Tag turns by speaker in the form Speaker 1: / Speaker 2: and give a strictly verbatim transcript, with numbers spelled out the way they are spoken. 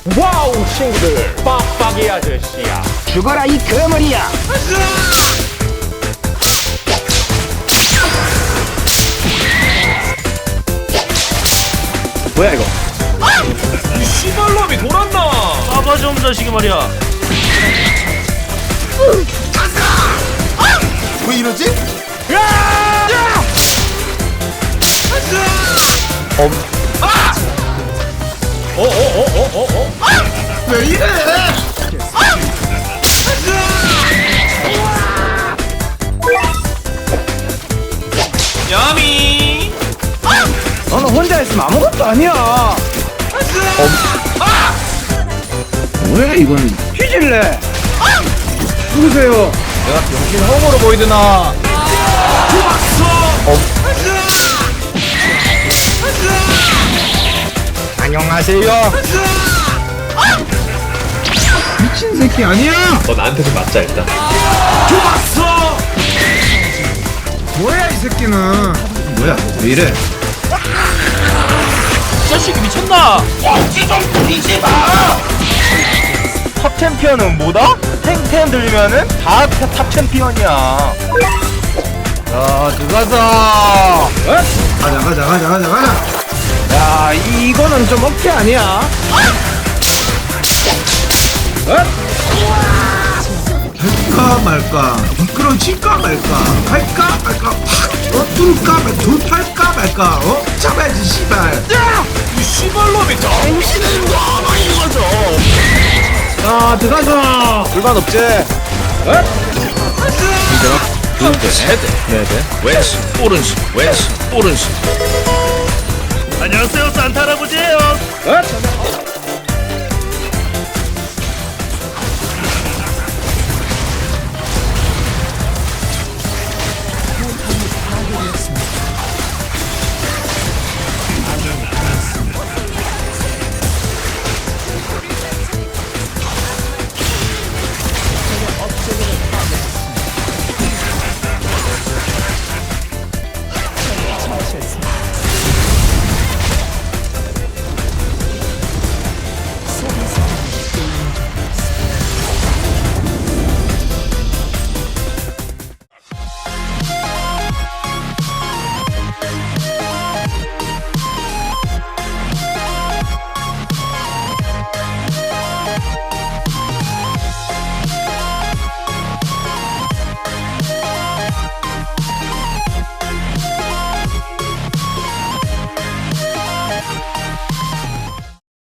Speaker 1: 와우 친구들, 빡빡이 아저씨야.
Speaker 2: 죽어라 이 거머리야. 뭐야 이거?
Speaker 1: 이 씨발놈이 돌았나?
Speaker 3: 싸가지 없는 자식이 말이야.
Speaker 4: 왜 이러지?
Speaker 1: 어어어어어어?
Speaker 4: 왜 이래?
Speaker 3: 야미.
Speaker 2: 너는 혼자 있으면 아무것도 아니야. 왜 이건 휘질래? 누구세요?
Speaker 1: 내가 병신 홈으로 보이드나?
Speaker 2: 안녕하세요. 미친 새끼 아니야?
Speaker 1: 너 나한테 좀 맞자 일단.
Speaker 2: 뭐야 이 새끼는? 뭐야 왜 이래?
Speaker 3: 이 자식이 미쳤나?
Speaker 2: 탑 챔피언은 뭐다? 탱탱 들리면은 다 탑 챔피언이야. 자 들어가자.
Speaker 4: 가자 가자 가자 가자 가자.
Speaker 2: 야 이거는 좀 억지 아니야?
Speaker 4: 할까 말까 미끄러질까 말까 할까 말까 확 어? 뚫을까 말까 돌팔까 말까 어? 잡아야지 씨발.
Speaker 1: 이 씨발놈이 저.
Speaker 2: 자 들어가자. 불만 없지?
Speaker 1: 세대. 네네. 왼손, 오른손, 왼손, 오른손.
Speaker 3: 안녕하세요, 산타 할아버지예요.
Speaker 2: 엇?